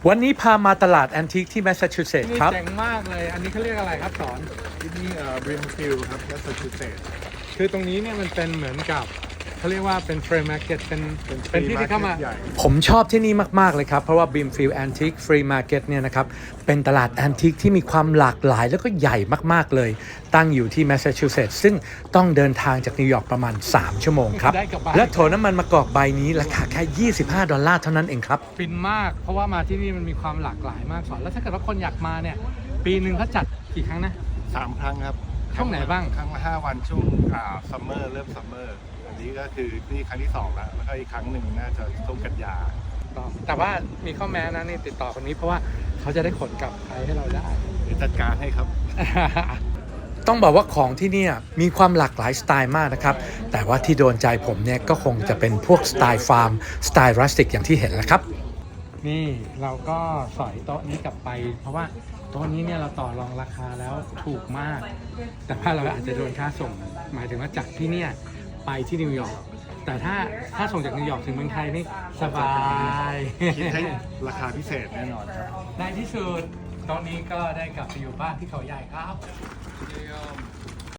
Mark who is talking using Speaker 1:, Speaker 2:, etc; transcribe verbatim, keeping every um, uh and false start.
Speaker 1: วันนี้พามาตลาดแอนทิคที่แมสซาชูเซตส์
Speaker 2: นี่
Speaker 1: ครับ
Speaker 2: เจ๋งมากเลย อันนี้เขาเรียกอะไรครับสอน
Speaker 3: ที่นี่เอ่อบริมฟิลครับแมสซาชูเซตส์
Speaker 2: คือตรงนี้เนี่ยมันเป็นเหมือนกับเขาเรียกว่าเป็นเฟรมมาร์เก็ตเป็น
Speaker 3: เป็น
Speaker 2: เป็นที่ที่เข้ามา
Speaker 3: ใหญ่
Speaker 1: ผมชอบที่นี่มาก ๆ เลยครับ เพราะว่า Brimfield Antique Free Market เนี่ยนะครับเป็นตลาดแอนทิคที่มีความหลากหลายแล้วก็ใหญ่มาก ๆ เลย ตั้งอยู่ที่แมสซาชูเซตส์ซึ่งต้องเดินทางจากนิวยอร์กประมาณ สาม ชั่วโมงครับ
Speaker 2: ได้กลับบ้าน
Speaker 1: และโถน้ำมันมะกอกใบนี้ราคาแค่ ยี่สิบห้า ดอลลาร์เท่านั้นเองครับ
Speaker 2: ฟินมาก เพราะว่ามาที่นี่มันมีความหลากหลายมากสอนแล้วถ้าเกิดว่าคนอยากมาเนี่ยปีหนึ่งเขาจัดกี่ครั้งนะ
Speaker 3: สามครั้งครับ
Speaker 2: ช่วงไหนบ้าง
Speaker 3: ครั้งละห้าวันช่วงอ่าซัมเมอร์เริ่มซัมเมอร์อันนี้ก็คือนี่ครั้งที่สองแล้วแล้วก็อีกครั้งหนึ่งน่าจะช่วงกันยา
Speaker 2: แต่ว่ามีข้อแม้นะนี่ติดต่อคนนี้เพราะว่าเขาจะได้ขนกลับไทยให้เราได้
Speaker 3: เดี๋ยวจัดการให้ครับ
Speaker 1: ต้องบอกว่าของที่เนี่ยมีความหลากหลายสไตล์มากนะครับ แต่ว่าที่โดนใจผมเนี่ยก็คงจะเป็นพวกสไตล์ฟาร์มสไตล์รัสติกอย่างที่เห็นแหละครับ
Speaker 2: นี่เราก็สอยโต๊ะนี้กลับไป เพราะว่าโต๊ะนี้เนี่ยเราต่อรองราคาแล้วถูกมาก แต่ว่าเราอาจจะโดนค่าส่ง หมายถึงว่าจากที่เนี่ยไปที่นิวยอร์กแต่ถ้าถ้าส่งจากนิวยอร์กถึงเมืองไทยนี่สบาย
Speaker 3: คิดให้ราคาพิเศษแน่นอนครับ
Speaker 2: ในที่สุดตอนนี้ก็ได้กลับไปอยู่บ้านที่เขาใหญ่ครับ